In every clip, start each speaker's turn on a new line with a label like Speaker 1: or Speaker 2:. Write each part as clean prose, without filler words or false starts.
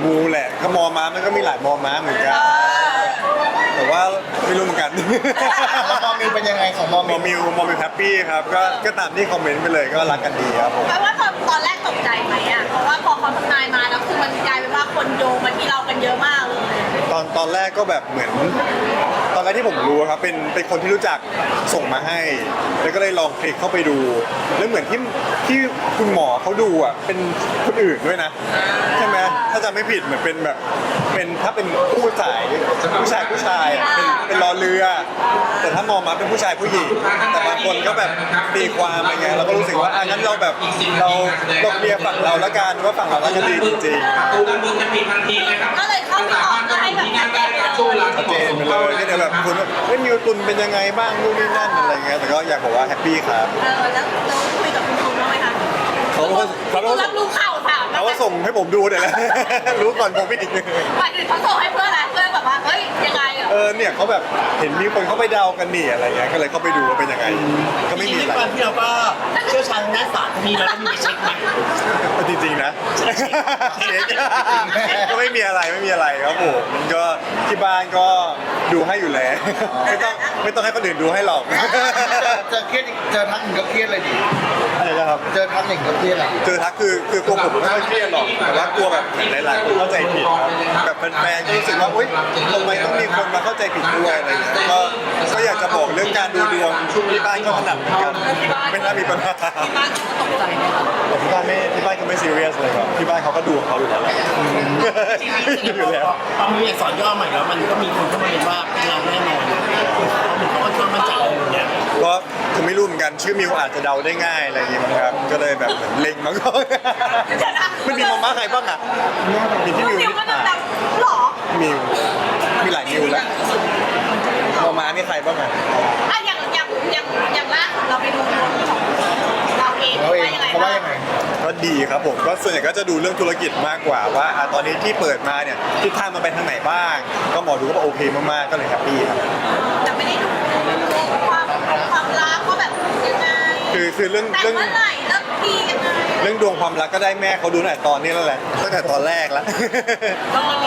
Speaker 1: มูแหละถ้ามอม้ามันก็มีหลายมอม้าเหมือนกันแต่ว่าไม่รู้เหมือนกัน
Speaker 2: แล้วมอมิวเป็นยังไงของมอ
Speaker 1: ม
Speaker 2: มิ
Speaker 1: อ
Speaker 2: ว
Speaker 1: มิวแฮปปี้ครับก็ตามที่คอมเมนต์ไปเลยก็รักกันดีครับผม
Speaker 3: แปลว่าตอนแรกตกใจไหมอ่ะเพราะว่าพอเขาทำนายมาแล้วคือมันกลายเป็นว่าคนโยงมาที่เรากันเยอะมากเลย
Speaker 1: ตอนแรกก็แบบเหมือนตอนแรกที่ผมรู้ครับเป็นคนที่รู้จักส่งมาให้ แล้วก็เลยลองคลิกเข้าไปดู แล้วเหมือนที่คุณหมอเขาดูอ่ะเป็นคนอื่นด้วยนะใช่ไหมถ้าจำไม่ผิดเหมือนเป็นแบบเป็นถ้าเป็นผู้ชายอ่ะเป็นรอเรือ แต่ถ้ามองมาเป็นผู้ชายผู้หญิงแต่บางคนก็แบบตีความอะไรเงี้ยเราก็รู้สึกว่างั้นเราแบบเราเคลียร์ฝั่งเราละกันว่าฝั่งเราละกันดีจริงๆ
Speaker 4: ประตูด้านบนจะปิดทันทีนะครับ
Speaker 3: ก็เลยเข้าไปออกก็ให้แบบชัดเจนเลย
Speaker 4: ช่วงเวลา
Speaker 1: ชัดเจนไปเลยก็เดี๋ยวแบบคุณมิวตุนเป็นยังไงบ้างนู่นนี่นั่นอะไรเงี้ยแต่ก็อยากบอกว่าแฮปปี้ครับ
Speaker 3: แล้วคุยกับคุณครูบ้างไหมคะ
Speaker 1: เขาก็
Speaker 3: รับรู้ข่าวถาม
Speaker 1: เขาก็ส่งให้ผมดูเนี่ยแหละ รู้ก่อนผมอีก
Speaker 3: หมายถึงเขาส่งให้เพื่อนอะไรเพื่อนแบบว่าเฮ้ยยังไงอ่ะ
Speaker 1: เนี่ยเขาแบบเห็นมีคนเขาไปเดากันนี่อะไรเงี้ยก็เลยเข้าไปดูว่าเป็นยังไงก็ไม่มีอะไร
Speaker 2: ตอนที่เราก็เชี่ยวชาญด้านศาสตร์มีแล้วก็มีไปเช็คไหม
Speaker 1: จริงๆนะเช็คก็ไม่มีอะไรครับผมก็ที่บ้านก็ดูให้อยู่แล้วไม่ต้องให้คนอื่นดูให้หรอก
Speaker 2: เจอเครียดเจอทักหนึ่งก็เครียดเลยดิ
Speaker 1: อะไรนะครับ
Speaker 2: เจอทักหนึ่งก็เครียดเลย
Speaker 1: เจอทักคือตัวผมไม่ค่อยเครียดหรอกแต่ว่ากลัวแบบหลายๆคนเข้าใจผิดครับแบบแฟนๆก็รู้สึกว่าอุ๊ยทำไมต้องมีคนมาเข้าใจผิดด้วยอะไรเงี้ยก็อยากจะบอกเรื่องการดูดวงที่บ้านก็ถนัดเหมือนกันไม่น่ามีปัญหา
Speaker 3: ที่บ้านเขาก็ตกใจไหมคะ
Speaker 1: แต่ที่บ้านก็ไม่ซีเรียสเลยครับที่บ้านเขาก็ดูของเขาอยู่แล้วอยู่แล้ว
Speaker 2: พอมีอักษรย่อใหม่แล้วมันก็มีคนเข้ามาเรียนว่าเป็นเราแน่นอนเขาก็ชอบมาจับอย่างเงี้ย
Speaker 1: ก็คือไม่รู้เหมือนกันชื่อมิวอาจจะเดาได้ง่ายอะไรอย่างเงี้ยมั้งครับก็เลยแบบเหมือนเล็งมาก่อนไม่มีมอม้าใครบ้างอ่ะมีที่มิว
Speaker 3: มิวก็ดังๆหรอ
Speaker 1: มิวมีหลายมิวแล้วมอม้านี่ใครบ้างอ่ะ
Speaker 3: อ่ะอย่างล่าสุดเราไปดูดวงของเราเอง
Speaker 2: เราเอง
Speaker 3: ว่ายังไง
Speaker 2: เขาว่า
Speaker 3: บ้าง
Speaker 2: ยังไง
Speaker 1: ก็ดีครับผมก็ส่วนใหญ่ก็จะดูเรื่องธุรกิจมากกว่าว่าตอนนี้ที่เปิดมาเนี่ยทิศทางมันไปทางไหนบ้าง ก็หมอดูก็บอกโอเคมากๆก็เลยแฮปปี้ครับ
Speaker 3: แต่ไม่ได้ดูความรักว่าแบบยังไง
Speaker 1: คือเรื่อง
Speaker 3: แต่เมื่อไหร่เริ่มดียังไง
Speaker 1: เรื่องดวงความรักก็ได้แม่เขาดูตั้งแต่ตอนนี้แล้วแหละตั้งแต่ตอนแรกแล้ว
Speaker 3: ก็เนี่ย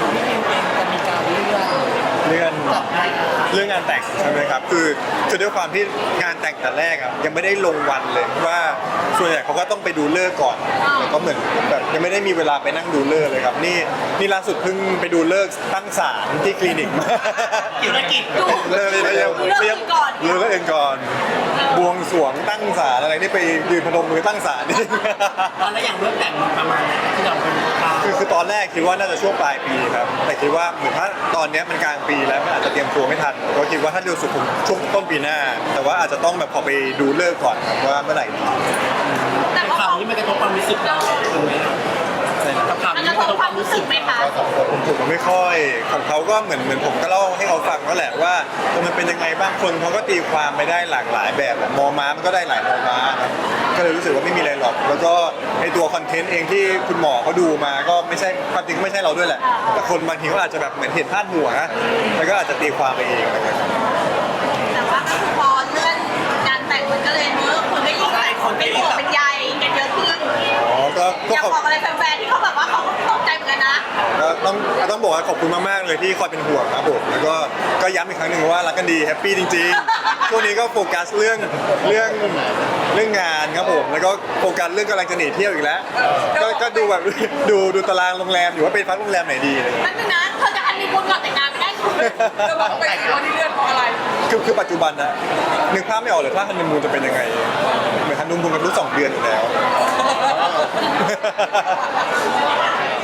Speaker 1: เรื่องงานแต่งใช่ไหมครับคือด้วยความที่งานแต่งแต่แรกอ่ะยังไม่ได้ลงวันเลยว่าส่วนใหญ่เขาก็ต้องไปดูฤกษ์ก่อนแล้วก็เหมือนแบบยังไม่ได้มีเวลาไปนั่งดูฤกษ์เลยครับนี่ล่าสุดเพิ่งไปดูฤกษ์ตั้งศาลที่คลินิกมา
Speaker 2: ธุรกิจ
Speaker 3: ดู
Speaker 1: เลย
Speaker 3: เรื่องก่อน
Speaker 1: เรื่องเองก่อนบวงสรวงตั้งศาลอะไรนี่ไปยืนพนมมือตั้งศาลนี่
Speaker 2: แล้วอย่างเรื่องแต่งมันประมาณไหนที่เราเป็นข่าว
Speaker 1: คือตอนแรกคิดว่าน่าจะช่วงปลายปีครับแต่คิดว่าเหมือนถ้าตอนเนี้ยมันกลางปีแล้วมันอาจจะเตรียมตัวไม่ทันก็คิดว่าถ้าเร็วสุดคงช่วงต้นปีหน้า แต่ว่าอาจจะต้องแบบขอไปดูเลิกษ์ก่อนครับว่าเมื่อไหร่ดี
Speaker 3: แต่ว่า
Speaker 2: ข่าวนี้มันกระทบความรู้สึกเราถูกไหมกับข่าว
Speaker 3: มัน
Speaker 2: นี้
Speaker 3: ก
Speaker 2: มั
Speaker 3: ระ
Speaker 2: นก
Speaker 3: ท
Speaker 2: ระ
Speaker 3: บ
Speaker 2: ทบความ ม
Speaker 3: คาวรู้
Speaker 2: รู้
Speaker 3: สึ
Speaker 2: สึ
Speaker 3: ก
Speaker 2: ก
Speaker 3: ไหมคะ
Speaker 1: ผมไม่ค่อยของเขาก็เหมือนผมก็เล่าให้เขาฟังก็แหละว่ามันเป็นยังไงบ้างคนเขาก็ตีความไปได้หลากหลายแบบมอม้ามันก็ได้หลายมอม้าครับก็เลยรู้สึกว่าไม่มีอะไรหรอก แล้วก็ไอตัวคอนเทนต์เองที่คุณหมอเขาดูมาก็ไม่ใช่ความจริงก็ไม่ใช่เราด้วยแหละแต่คนบางทีก็อาจจะแบบเหมือนเห็นพาดหัวแล้วก็อาจจะตีความไปเองอะไรเงี้ย
Speaker 3: แต่ว่าก็คือพอเลื่อนการแต่งมันก็เลยคนก็ยิ่งแบบเป็นห่วงเป็นใยกันเยอะขึ้น
Speaker 1: อ๋อก็
Speaker 3: อยาก
Speaker 1: ขอบ
Speaker 3: บอกอะไรแฟนๆที่เขาแบบว่าเขาตกใจเหมือนกันนะ
Speaker 1: ก็ต้องบอกว่าขอบคุณมากๆเลยที่คอยเป็นห่วงครับผมแล้วก็ย้ำอีกครั้งหนึ่งว่ารักกันดีแฮปปี้จริงๆช่วงนี้ก็โฟกัสเรื่องงานครับผมแล้วก็โฟกัสเรื่องกำลังจะหนีเที่ยวอีกแล้วก็ดูแบบดูตารางโรงแรมอยู่ว่าไปพักโรงแรมไหนดีอะไรเงี้ย
Speaker 3: นั่นคือนะเธอจะฮันนีมูนก่อนแต่งงานไม่ได้คุณจะบอกไปวันที่เลื่อนเพราะอะไร
Speaker 1: คือปัจจุบันนะนึกภาพไม่ออกเลยถ้าฮันนีมูนจะเป็นยังไงเหมือนฮันนีมูนกันรู้2 เดือนอยู่แล้ว